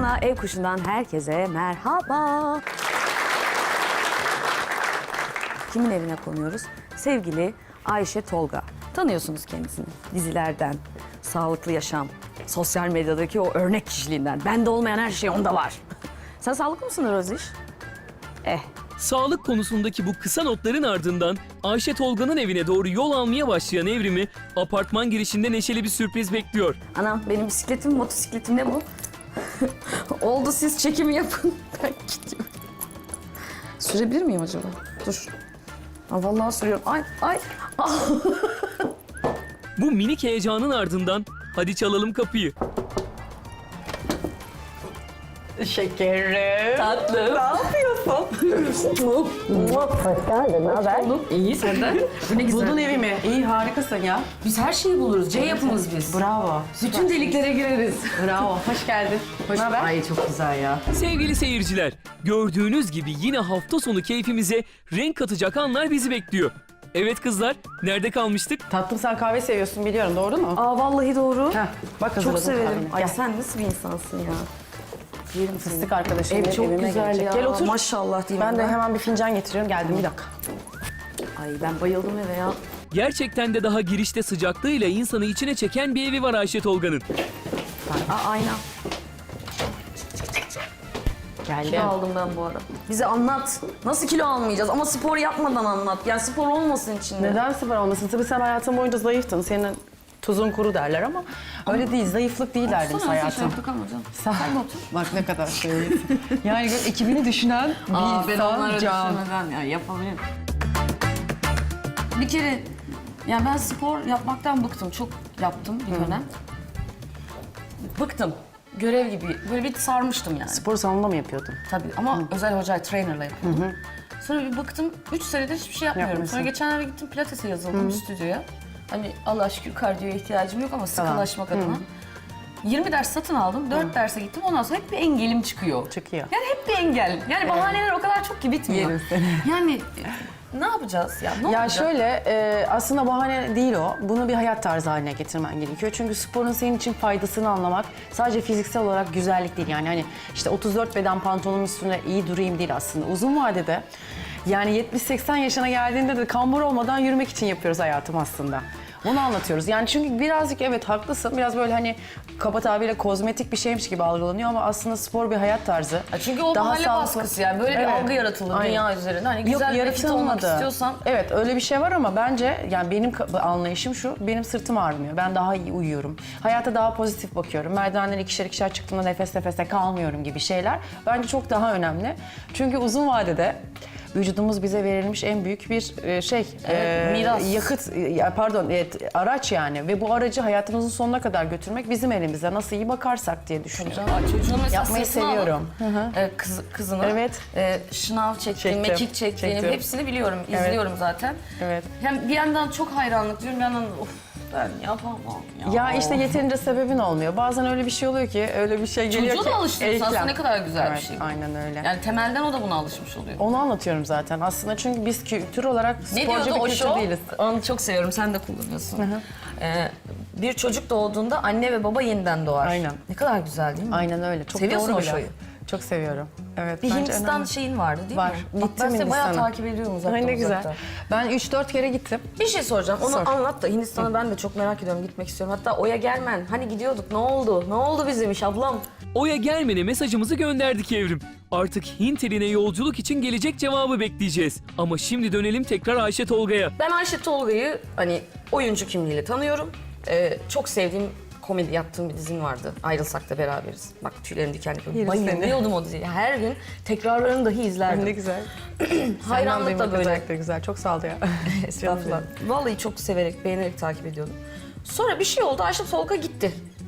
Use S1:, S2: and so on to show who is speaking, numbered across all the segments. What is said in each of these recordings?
S1: Sana Ev Kuşu'ndan herkese merhaba. Kimin evine konuyoruz? Sevgili Ayşe Tolga. Tanıyorsunuz kendisini dizilerden, sağlıklı yaşam, sosyal medyadaki o örnek kişiliğinden. Bende olmayan her şey onda var. Sen sağlıklı mısın Roziş?
S2: Sağlık konusundaki bu kısa notların ardından Ayşe Tolga'nın evine doğru yol almaya başlayan Evrim'i apartman girişinde neşeli bir sürpriz bekliyor.
S1: Anam benim bisikletim, motosikletim ne bu? Oldu siz çekimi yapın. Ben gidiyorum. Sürebilir miyim acaba? Dur. Aa, vallahi sürüyorum. Ay.
S2: Bu minik heyecanın ardından hadi çalalım kapıyı.
S3: Şekerim.
S1: Tatlım.
S3: Ne yapıyorsun?
S1: Hoş geldin. Ne haber?
S3: İyi senden.
S1: Bu ne güzel.
S3: Buldun evimi. İyi harikasın ya.
S1: Biz her şeyi buluruz. C yapımız biz.
S3: Bravo.
S1: Bütün deliklere gireriz.
S3: Bravo. Hoş geldin.
S1: Hoş
S3: haber?
S1: Ay çok güzel ya.
S2: Sevgili seyirciler, gördüğünüz gibi yine hafta sonu keyfimize renk katacak anlar bizi bekliyor. Evet kızlar, nerede kalmıştık?
S3: Tatlım sen kahve seviyorsun biliyorum doğru mu?
S1: Aa vallahi doğru.
S3: Heh, bak
S1: Çok
S3: hazırladım
S1: severim.
S3: kahveni.
S1: Ay
S3: Gel.
S1: sen nasıl bir insansın ya? Yerim seni.
S3: Fıstık arkadaşım
S1: Ev
S3: benim
S1: çok
S3: evime
S1: güzel
S3: gelecek.
S1: ya.
S3: Gel otur.
S1: Maşallah diyeyim
S3: Ben de hemen bir fincan getiriyorum. Geldim bir dakika.
S1: Ay ben bayıldım eve ya.
S2: Gerçekten de daha girişte sıcaklığıyla insanı içine çeken bir evi var Ayşe Tolga'nın.
S1: Aa ayna.
S3: Geldim.
S1: Kilo aldım ben bu arada. Bize anlat. Nasıl kilo almayacağız? Ama spor yapmadan anlat. Yani spor olmasın içinde.
S3: Neden spor olmasın? Tabii sen hayatın boyunca zayıftın. Senin tuzun kuru derler ama öyle değil. Zayıflık değil derdim
S1: Sana nasıl
S3: hayatım.
S1: yaptık ama canım.
S3: Sen de otur. Bak ne kadar seviyorsun. Yani ekibini düşünen bir insan can.
S1: düşünmeden ya yapabilirim. Bir kere yani ben spor yapmaktan bıktım. Çok yaptım bir dönem. Bıktım. Görev gibi. Böyle bir sarmıştım yani.
S3: Spor salonunda mı yapıyordun?
S1: Tabii ama özel hoca, trainerla yapıyordum. Sonra bir bıktım, 3 senedir hiçbir şey yapmıyorum.
S3: Yapmıyorsun.
S1: Sonra geçenlerde gittim pilatese yazıldım stüdyoya. Hani Allah'a şükür kardiyoya ihtiyacım yok ama sıkılaşmak adına. 20 ders satın aldım, 4 derse gittim. Ondan sonra hep bir engelim çıkıyor.
S3: Çıkıyor.
S1: Yani hep bir engel. Yani bahaneler o kadar çok ki bitmiyor.
S3: Yerim seni.
S1: Yani ne yapacağız ya? Ne
S3: Ya
S1: olacak?
S3: şöyle aslında bahane değil o. Bunu bir hayat tarzı haline getirmen gerekiyor. Çünkü sporun senin için faydasını anlamak sadece fiziksel olarak güzellik değil. Yani hani işte 34 beden pantolonun üstüne iyi durayım değil aslında. Uzun vadede yani 70-80 yaşına geldiğinde de kambur olmadan yürümek için yapıyoruz hayatım aslında. Bunu anlatıyoruz. Yani çünkü birazcık evet haklısın. Biraz böyle hani kaba tabirle kozmetik bir şeymiş gibi algılanıyor ama aslında spor bir hayat tarzı.
S1: Ya çünkü o
S3: Daha
S1: mahalle
S3: sağlıklı.
S1: baskısı yani. Böyle bir
S3: Evet.
S1: algı yaratılır
S3: Aynen.
S1: dünya üzerinde. Hani
S3: Yok,
S1: güzel bir fit olmak
S3: yaratılmadı.
S1: istiyorsan...
S3: Evet öyle bir şey var ama bence yani benim anlayışım şu. Benim sırtım ağrımıyor. Ben daha iyi uyuyorum. Hayata daha pozitif bakıyorum. Merdivenleri ikişer ikişer çıktığımda nefes nefese kalmıyorum gibi şeyler. Bence çok daha önemli. Çünkü uzun vadede vücudumuz bize verilmiş en büyük bir
S1: miras.
S3: yakıt, araç yani. Ve bu aracı hayatımızın sonuna kadar götürmek bizim elimizde. Nasıl iyi bakarsak diye düşünüyorum.
S1: Çocuğun mesela
S3: Yapmayı
S1: sırtına alıp,
S3: seviyorum.
S1: kızını
S3: Evet.
S1: şınav çektiğini,
S3: Çektim,
S1: mekik çektiğini
S3: çektim.
S1: hepsini biliyorum, izliyorum zaten.
S3: Evet.
S1: Hem bir yandan çok hayranlık diyorum, bir yandan of ben yapamam ya.
S3: Ya işte yeterince sebebin olmuyor. Bazen öyle bir şey oluyor ki, öyle bir şey geliyor
S1: Çocuğu
S3: ki.
S1: da alıştırıyorsun aslında,
S3: eklem.
S1: ne kadar güzel
S3: Evet,
S1: bir şey bu.
S3: aynen öyle.
S1: Yani temelden o da buna alışmış oluyor.
S3: Onu anlatıyorum zaten aslında çünkü biz kültür olarak
S1: Ne
S3: sporcu
S1: diyordu
S3: bir
S1: o
S3: kültür
S1: show?
S3: değiliz.
S1: Onu çok seviyorum, sen de kullanıyorsun. Bir çocuk doğduğunda anne ve baba yeniden doğar.
S3: Aynen.
S1: Ne kadar güzel değil mi?
S3: Aynen öyle. Çok
S1: Seviyorsun
S3: doğru
S1: o
S3: bir laf.
S1: şoyu.
S3: Çok seviyorum. Evet.
S1: Bir
S3: bence
S1: Hindistan
S3: önemli.
S1: şeyin vardı değil
S3: Var.
S1: mi? Bak
S3: Gittim
S1: ben seni bayağı
S3: Hindistan'a.
S1: takip ediyorum uzaktan
S3: Ay ne güzel.
S1: uzaktan.
S3: Ben 3-4 kere gittim.
S1: Bir şey soracağım. Onu
S3: Sor.
S1: anlat da Hindistan'a ben de çok merak ediyorum. Gitmek istiyorum. Hatta Oya Gelmen. Hani gidiyorduk. Ne oldu? Ne oldu bizim iş ablam?
S2: Oya gelmene mesajımızı gönderdik Evrim. Artık Hint eline yolculuk için gelecek cevabı bekleyeceğiz. Ama şimdi dönelim tekrar Ayşe Tolga'ya.
S1: Ben Ayşe Tolga'yı hani oyuncu kimliğiyle tanıyorum. Çok sevdiğim komedi yaptığım bir dizim vardı. Ayrılsak da beraberiz. Bak tüylerim diken diken.
S3: Yerim seni.
S1: Bayılıyordum o diziye. Her gün tekrarlarını dahi izlerdim.
S3: Ne güzel.
S1: Hayranlık da böyle.
S3: Özellikle güzel. Çok sağ ol ya.
S1: Estağfurullah. Vallahi çok severek, beğenerek takip ediyordum. Sonra bir şey oldu. Ayşe Tolga gitti.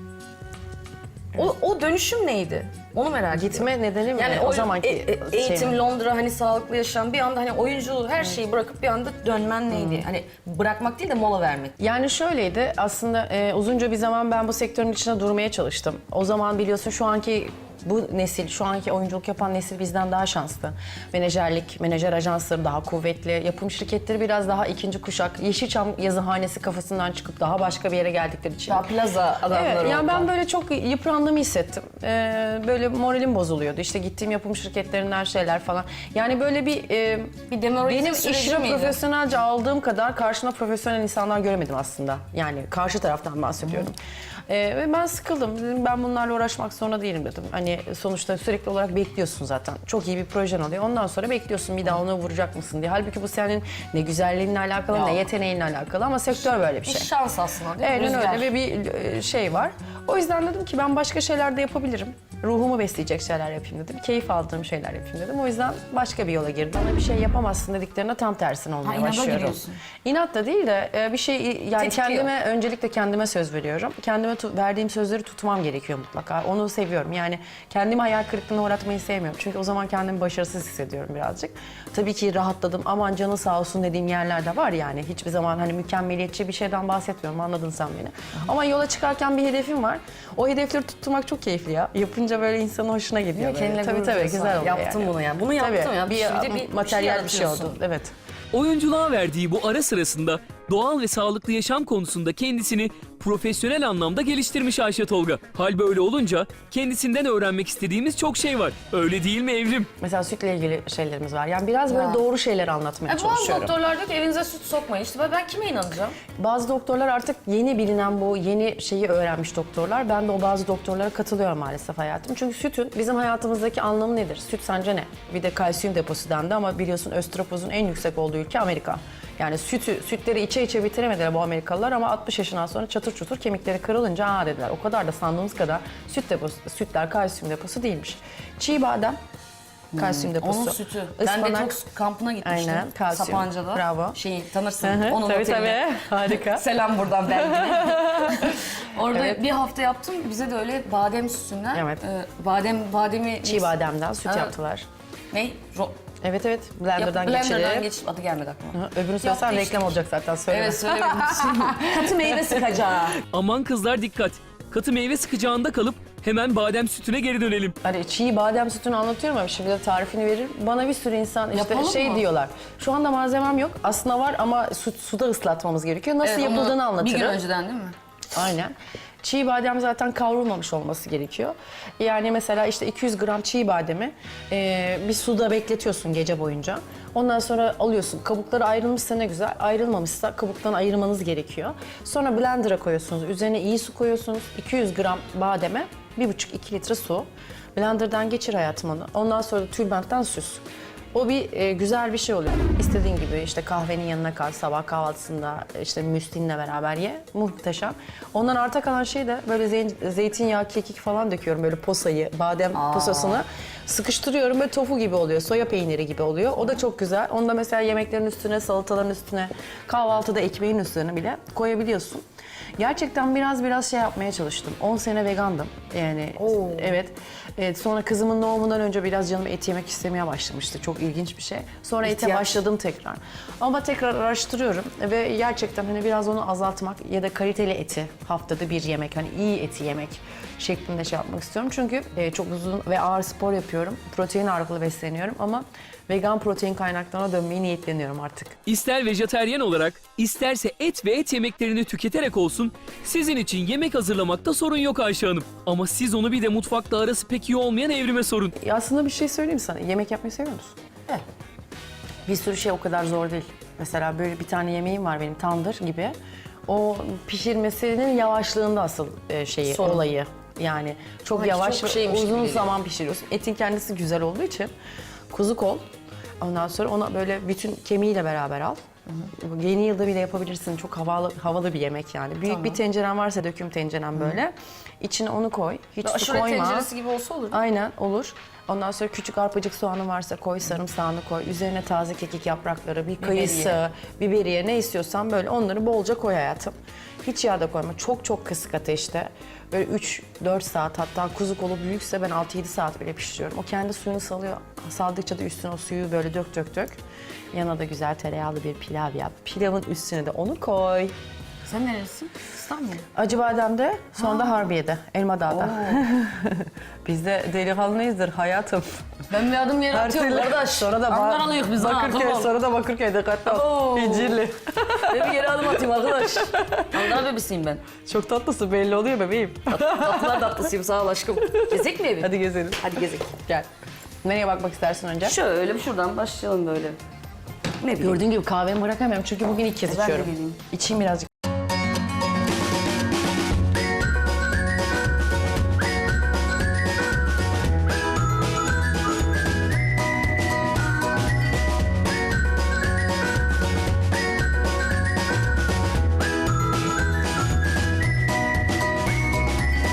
S1: O dönüşüm neydi? Onu merak ediyorum.
S3: Gitme nedeni mi?
S1: Yani
S3: o zamanki
S1: eğitim,
S3: şey.
S1: Londra, hani sağlıklı yaşam, bir anda hani oyunculuğu, her şeyi bırakıp bir anda dönmen neydi? Hani bırakmak değil de mola vermek.
S3: Yani şöyleydi aslında uzunca bir zaman ben bu sektörün içine durmaya çalıştım. O zaman biliyorsun şu anki Bu nesil, şu anki oyunculuk yapan nesil bizden daha şanslı. Menajerlik, menajer ajansları daha kuvvetli. Yapım şirketleri biraz daha ikinci kuşak. Yeşilçam yazıhanesi kafasından çıkıp daha başka bir yere geldikleri için.
S1: Daha plaza adamları
S3: Evet, yani
S1: oldu.
S3: ben böyle çok yıprandığımı hissettim. Böyle moralim bozuluyordu. İşte gittiğim yapım şirketlerinden şeyler falan. Yani böyle
S1: Bir demoralize
S3: benim
S1: süreci
S3: işimi
S1: miydi?
S3: profesyonelce aldığım kadar karşımda profesyonel insanlar göremedim aslında. Yani karşı taraftan bahsediyorum. Ve ben sıkıldım. Dedim ben bunlarla uğraşmak zorunda değilim dedim. Hani sonuçta sürekli olarak bekliyorsun zaten. Çok iyi bir projen oluyor. Ondan sonra bekliyorsun bir daha onu vuracak mısın diye. Halbuki bu senin ne güzelliğinle alakalı
S1: Ya.
S3: ne yeteneğinle alakalı ama sektör böyle bir
S1: Bir
S3: şey.
S1: şans aslında değil mi?
S3: Aynen
S1: Rüzgar.
S3: öyle ve bir şey var. O yüzden dedim ki ben başka şeyler de yapabilirim. Ruhumu besleyecek şeyler yapayım dedim. Keyif aldığım şeyler yapayım dedim. O yüzden başka bir yola girdim. Bana bir şey yapamazsın dediklerine tam tersine olmaya
S1: inada
S3: başlıyorum.
S1: giriyorsun.
S3: İnat da değil de bir şey yani
S1: Tetikliyor.
S3: öncelikle kendime söz veriyorum. Kendime verdiğim sözleri tutmam gerekiyor mutlaka. Onu seviyorum. Yani kendimi hayal kırıklığına uğratmayı sevmiyorum. Çünkü o zaman kendimi başarısız hissediyorum birazcık. Tabii ki rahatladım. Aman canı sağ olsun dediğim yerler de var yani. Hiçbir zaman hani mükemmeliyetçi bir şeyden bahsetmiyorum. Anladın sen beni. Ama yola çıkarken bir hedefim var. O hedefleri tutturmak çok keyifli ya. Yapınca böyle insanın hoşuna gidiyor. Böyle.
S1: Kendine
S3: Tabii
S1: gurur
S3: tabii
S1: duyuyorsun.
S3: güzel oluyor
S1: Yaptım
S3: yani.
S1: bunu yani. Bunu yaptım
S3: Tabii,
S1: ya. Bir
S3: materyal bir şey
S1: yaratıyorsun.
S3: oldu. Evet.
S2: Oyunculuğa verdiği bu ara sırasında doğal ve sağlıklı yaşam konusunda kendisini profesyonel anlamda geliştirmiş Ayşe Tolga. Hal böyle olunca kendisinden öğrenmek istediğimiz çok şey var. Öyle değil mi Evrim?
S3: Mesela sütle ilgili şeylerimiz var. Yani biraz böyle
S1: Ya.
S3: doğru şeyler anlatmaya
S1: Bazı
S3: çalışıyorum.
S1: doktorlar diyor ki evinize süt sokmayın. İşte ben kime inanacağım?
S3: Bazı doktorlar artık yeni bilinen bu yeni şeyi öğrenmiş doktorlar. Ben de o bazı doktorlara katılıyorum maalesef hayatım. Çünkü sütün bizim hayatımızdaki anlamı nedir? Süt sence ne? Bir de kalsiyum deposu dendi ama biliyorsun östropozun en yüksek olduğu ülke Amerika. Yani sütleri içe içe bitiremediler bu Amerikalılar ama 60 yaşından sonra çatır çutur kemikleri kırılınca aa dediler. O kadar da sandığımız kadar sütler kalsiyum deposu değilmiş. Çiğ badem kalsiyum deposu.
S1: Onun sütü. Ben de
S3: Ispanak.
S1: çok kampına gitmiştim.
S3: Aynen, kalsiyum.
S1: Sapanca'da.
S3: Bravo.
S1: Şeyi tanırsın.
S3: Hı hı,
S1: Onun
S3: tabii
S1: otelinde.
S3: tabii. Harika.
S1: Selam buradan Belgin'e. Orada
S3: Evet.
S1: bir hafta yaptım. Bize de öyle badem sütünden.
S3: Evet.
S1: Bademi...
S3: Çiğ bademden süt
S1: Ha.
S3: yaptılar.
S1: Ne?
S3: Evet. Blender'dan
S1: Blender'dan
S3: geçirip.
S1: adı gelmedi aklıma.
S3: Öbürünü söylesen
S1: Yaptı
S3: reklam
S1: işte.
S3: olacak zaten söyleme.
S1: Evet söylemedim. Katı meyve sıkacağı.
S2: Aman kızlar dikkat. Katı meyve sıkacağında kalıp hemen badem sütüne geri dönelim.
S3: Hani çiğ badem sütünü anlatıyorum ama şimdi de tarifini veririm. Bana bir sürü insan işte
S1: Yapalım
S3: şey
S1: mı?
S3: diyorlar. Şu anda malzemem yok. Aslında var ama suda ıslatmamız gerekiyor. Nasıl
S1: Evet, onu
S3: yapıldığını anlatırım.
S1: Bir gün önceden değil mi?
S3: Aynen. Çiğ badem zaten kavrulmamış olması gerekiyor. Yani mesela işte 200 gram çiğ bademi bir suda bekletiyorsun gece boyunca. Ondan sonra alıyorsun. Kabukları ayrılmışsa ne güzel. Ayrılmamışsa kabuktan ayırmanız gerekiyor. Sonra blender'a koyuyorsunuz. Üzerine iyi su koyuyorsunuz. 200 gram bademe 1,5-2 litre su. Blender'dan geçir hayatım onu. Ondan sonra da tülbentten süz. O bir güzel bir şey oluyor. İstediğin gibi işte kahvenin yanına kal, sabah kahvaltısında işte müslinle beraber ye. Muhteşem. Ondan arta kalan şey de böyle zeytinyağı, kekik falan döküyorum böyle posayı, badem posasını. Sıkıştırıyorum böyle tofu gibi oluyor, soya peyniri gibi oluyor. O da çok güzel. Onu da mesela yemeklerin üstüne, salataların üstüne, kahvaltıda ekmeğin üstüne bile koyabiliyorsun. Gerçekten biraz şey yapmaya çalıştım. 10 sene vegandım. Yani evet. Sonra kızımın doğumundan önce biraz canım et yemek istemeye başlamıştı. Çok ilginç bir şey. Sonra ete
S1: İhtiyaç.
S3: başladım tekrar. Ama tekrar araştırıyorum ve gerçekten hani biraz onu azaltmak ya da kaliteli eti haftada bir yemek, hani iyi eti yemek şeklinde şey yapmak istiyorum. Çünkü çok uzun ve ağır spor yapıyorum. Protein ağırlıklı besleniyorum ama vegan protein kaynaklarına dönmeyi niyetleniyorum artık.
S2: İster vejeteryen olarak, isterse et ve et yemeklerini tüketerek olsun, sizin için yemek hazırlamakta sorun yok Ayşe Hanım. Ama siz onu bir de mutfakla arası pek iyi olmayan Evrim'e sorun.
S3: Aslında bir şey söyleyeyim sana. Yemek yapmayı seviyor musun?
S1: Evet.
S3: Bir sürü şey o kadar zor değil. Mesela böyle bir tane yemeğim var benim tandır gibi. O pişirmesinin yavaşlığında asıl
S1: Sorun.
S3: olayı. Yani çok
S1: Ama
S3: yavaş
S1: çok
S3: ve
S1: şeymiş gibi
S3: uzun
S1: geliyor.
S3: zaman pişiriyorsun. Etin kendisi güzel olduğu için kuzu kol. Ondan sonra ona böyle bütün kemiğiyle beraber al. Yeni yılda bile yapabilirsin. Çok havalı bir yemek yani. Büyük bir tenceren varsa döküm tenceren böyle. İçine onu koy. Hiç su
S1: Aşure
S3: koyma.
S1: tenceresi gibi olsa olur.
S3: Aynen olur. Ondan sonra küçük arpacık soğanın varsa koy, sarımsağını koy. Üzerine taze kekik yaprakları, bir kayısı, biberiye ne istiyorsan böyle onları bolca koy hayatım. Hiç yağ da koyma. Çok kısık ateşte. Böyle 3-4 saat hatta kuzu kolu büyükse ben 6-7 saat bile pişiriyorum. O kendi suyunu salıyor. Saldıkça da üstüne o suyu böyle dök. Yanına da güzel tereyağlı bir pilav yap. Pilavın üstüne de onu koy.
S1: Sen nerelisin? İstanbul.
S3: Acıbadem'de, sonra da Harbiye'de, Elmadağ'da. Biz de delikanlıyızdır hayatım.
S1: Ben bir adım yere atıyorum kardeş.
S3: Sonra da
S1: Ankaralıyız biz ha.
S3: Bakırköy,
S1: Tamam.
S3: sonra da Bakırköy dikkatli ol.
S1: Oo.
S3: İncirli.
S1: Ben bir geri adım atayım arkadaş. Ankara bebesiyim ben.
S3: Çok tatlısın belli oluyor bebeğim.
S1: Tatlılar tatlısıyım sağ ol aşkım. Gezek mi evi?
S3: Hadi gezelim.
S1: Hadi gezek.
S3: Gel. Nereye bakmak istersin önce?
S1: Şöyle şuradan başlayalım böyle. Ne bileyim.
S3: Gördüğün gibi kahvemi bırakamıyorum çünkü bugün ilk kez
S1: Ben de
S3: içiyorum.
S1: geleyim.
S3: İçeyim birazcık.